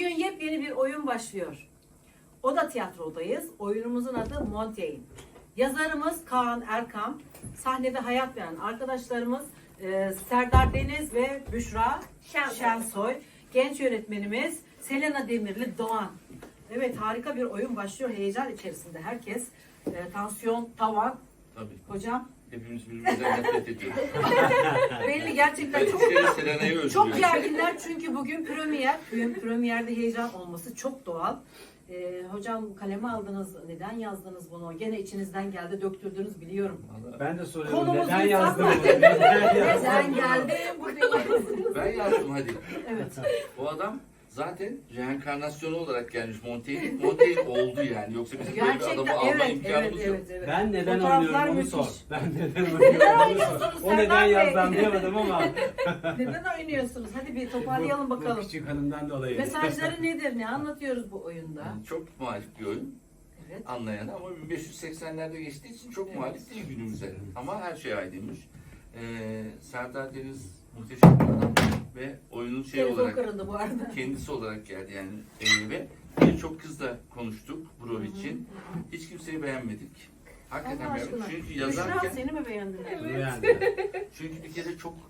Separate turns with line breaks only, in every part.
Bugün yepyeni bir oyun başlıyor. Oda Tiyatro'dayız. Oyunumuzun adı Montaigne. Yazarımız Kaan Erkam. Sahnede hayat veren arkadaşlarımız Serdar Deniz ve Büşra Şensoy. Genç yönetmenimiz Selena Demirli Doğan. Evet, harika bir oyun başlıyor. Heyecan içerisinde herkes. Tansiyon tavan.
Tabii.
Hocam.
Hepimiz birbirimizden nefret ediyoruz.
Belli gerçekten çok
Selena'yı
çok gerginler çünkü bugün premierde heyecan olması çok doğal. Hocam kaleme aldınız, neden yazdınız bunu? Gene içinizden geldi, döktürdünüz biliyorum.
Ben de soruyorum.
Konumuz
Neden yazdın
insanlar.
bunu?
Neden geldi buraya?
Ben yazdım hadi.
Evet.
Bu adam zaten reenkarnasyonu olarak gelmiş Montaigne. Montaigne oldu yani. Yoksa bizim böyle bir
Gerçekten
adamı alma
evet,
imkanımız yok.
evet.
Ben neden
Fotoğraflar
oynuyorum onu
müthiş.
sor. Ben neden oynuyorum onu sor. O neden yazdan diyemedim ama.
Neden oynuyorsunuz? Hadi bir toparlayalım
Bu
bakalım.
küçük hanımdan dolayı.
Mesajları nedir? Ne anlatıyoruz bu oyunda?
Yani çok muhalif bir oyun.
Evet.
Anlayana ama 1580'lerde geçtiği için çok muhalif değil günümüze. Ama her şey aydınmış. Serdar Deniz muhteşem bir adam ve oyunun
Telefon
olarak
kırıldı bu arada.
kendisi olarak geldi yani ve birçok kızla konuştuk Brov için. Hiç kimseyi beğenmedik. Hakikaten
Allah
beğenmedik.
aşkına.
Çünkü
Büşra
yazarken
seni mi beğendiler?
çünkü bir kere çok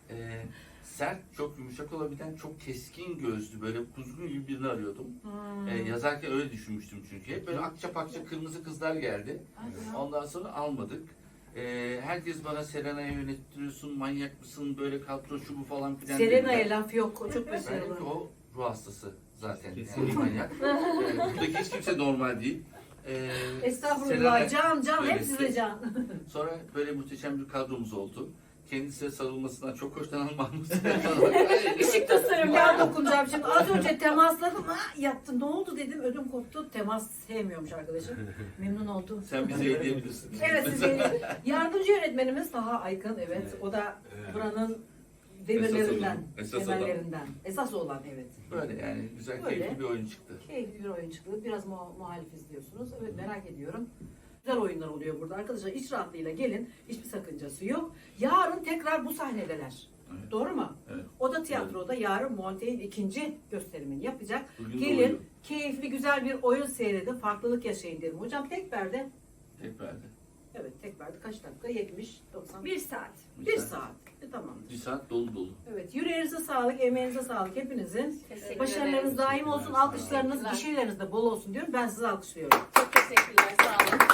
sert, çok yumuşak olabilen, çok keskin gözlü, böyle kuzgun gibi birini arıyordum. Yazarken öyle düşünmüştüm çünkü. Hep böyle akça pakça kırmızı kızlar geldi. Ondan sonra almadık. Herkes bana Selena'ya yönettiriyorsun, manyak mısın, böyle kadro şu bu falan filan.
Selena'ya laf yok, o çok
Ben
başarılı.
dedim ki o ruh hastası zaten. Yani
Kesinlikle.
manyak. Buradaki hiç kimse normal değil.
Estağfurullah, can
böyle
hep size can.
Sonra böyle muhteşem bir kadromuz oldu. Kendisine sarılmasından çok hoşlanan Mahmut.
Işık tasarım ya dokunacağım şimdi. Az önce temasladım, ha yattı. Ne oldu dedim, ödüm koptu. Temas sevmiyormuş arkadaşım. Memnun oldum.
Sen bize hediyebilirsin.
Evet, size yardımcı yönetmenimiz Taha Aykın. Evet, o da buranın demirlerinden,
Esas
temellerinden. Esas olan evet.
Böyle yani güzel,
Böyle.
keyifli bir oyun çıktı.
Keyifli bir oyun çıktı. Biraz muhalif izliyorsunuz. Evet, merak ediyorum. Güzel oyunlar oluyor burada. Arkadaşlar iç rahatlığıyla gelin. Hiçbir sakıncası yok. Yarın tekrar bu sahnedeler.
Evet.
Doğru mu?
Evet.
Oda Tiyatro'da yarın Montaigne ikinci gösterimini yapacak.
Bugün de
Gelin
oyun.
keyifli güzel bir oyun seyredin. Farklılık yaşayın derim. Hocam tek perde.
Tek perde.
Evet, tek perde kaç dakika? 70, 90.
1 saat.
Bir saat. Tamamdır.
Bir saat dolu dolu.
Evet, yüreğinize sağlık, emeğinize sağlık hepinizin.
Teşekkür
Başarılarınız
ederim.
daim olsun, alkışlarınız,
Teşekkürler.
gişeleriniz de bol olsun diyorum. Ben sizi alkışlıyorum.
Çok teşekkürler. Sağ olun.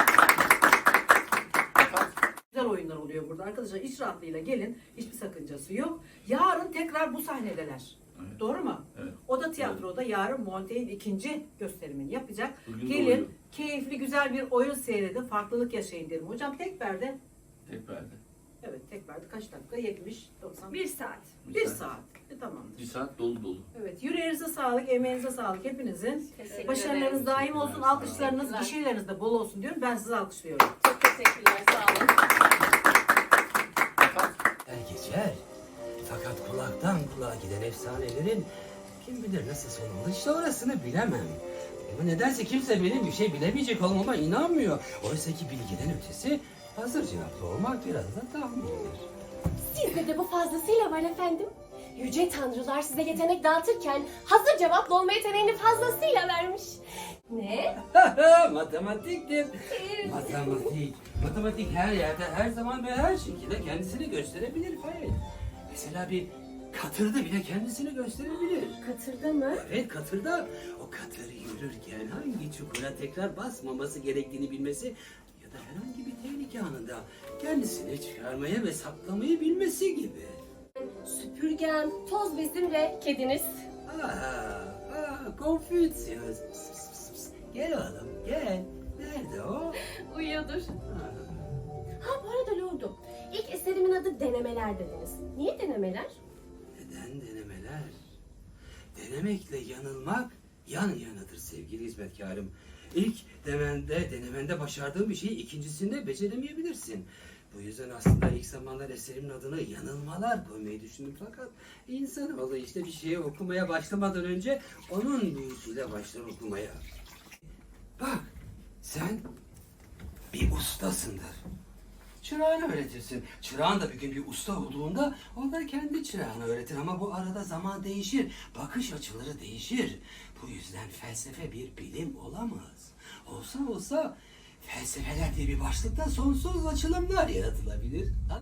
Güzel oyunlar oluyor burada. Arkadaşlar iç rahatlığıyla gelin. Hiçbir sakıncası yok. Yarın tekrar bu sahnedeler.
Evet.
Doğru mu?
Evet.
Oda Tiyatro'da yarın Montaigne ikinci gösterimini yapacak.
Bugün de
Gelin
oyun.
keyifli güzel bir oyun seyredin. Farklılık yaşayın derim. Hocam tek perde.
Tek perde.
Evet, tek perde kaç dakika? 70, 90.
1 saat.
Bir saat. Tamamdır.
Bir saat dolu dolu.
Evet, yüreğinize sağlık, emeğinize sağlık hepinizin.
Teşekkür
Başarılarınız
ederim.
daim olsun, alkışlarınız,
Teşekkürler.
gişeleriniz de bol olsun diyorum. Ben sizi alkışlıyorum.
Çok teşekkürler. Sağ olun.
Geçer. Fakat kulaktan kulağa giden efsanelerin kim bilir nasıl sonu olur işte orasını bilemem. Ama nedense kimse benim bir şey bilemeyecek olmama inanmıyor. Oysa ki bilgiden ötesi hazır cevaplı olmak biraz da tahmindir.
Sizde de bu fazlasıyla var efendim. Yüce tanrılar size yetenek dağıtırken hazır cevaplı olma yeteneğini fazlasıyla vermiş. Ne?
Matematiktir. Matematik. Matematik her yerde, her zaman ve her şekilde kendisini gösterebilir Fail. Mesela bir katırda bile kendisini gösterebilir.
Katırda mı?
Evet, katırda. O katır yürürken hangi çukura tekrar basmaması gerektiğini bilmesi ya da herhangi bir tehlike anında kendisini çıkarmaya ve saklamayı bilmesi gibi.
Süpürgem, toz bezim ve kediniz.
Confucius. Gel oğlum, gel. Nerede o?
Uyuyordur.
Ha.
Ha, bu arada lordum. İlk eserimin adı Denemeler dediniz. Niye denemeler?
Neden denemeler? Denemekle yanılmak yan yanadır sevgili hizmetkarım. İlk denemende başardığın bir şeyi ikincisinde beceremeyebilirsin. Bu yüzden aslında ilk zamanlar eserimin adını yanılmalar koymayı düşündüm fakat insanoğlu işte bir şeye okumaya başlamadan önce onun büyüsüyle başlar okumaya. Bak, sen bir ustasındır. Çırağını öğretirsin. Çırağın da bir gün bir usta olduğunda o da kendi çırağını öğretir ama bu arada zaman değişir. Bakış açıları değişir. Bu yüzden felsefe bir bilim olamaz. Olsa felsefeler diye bir başlıkta sonsuz açılımlar yaratılabilir. Ha?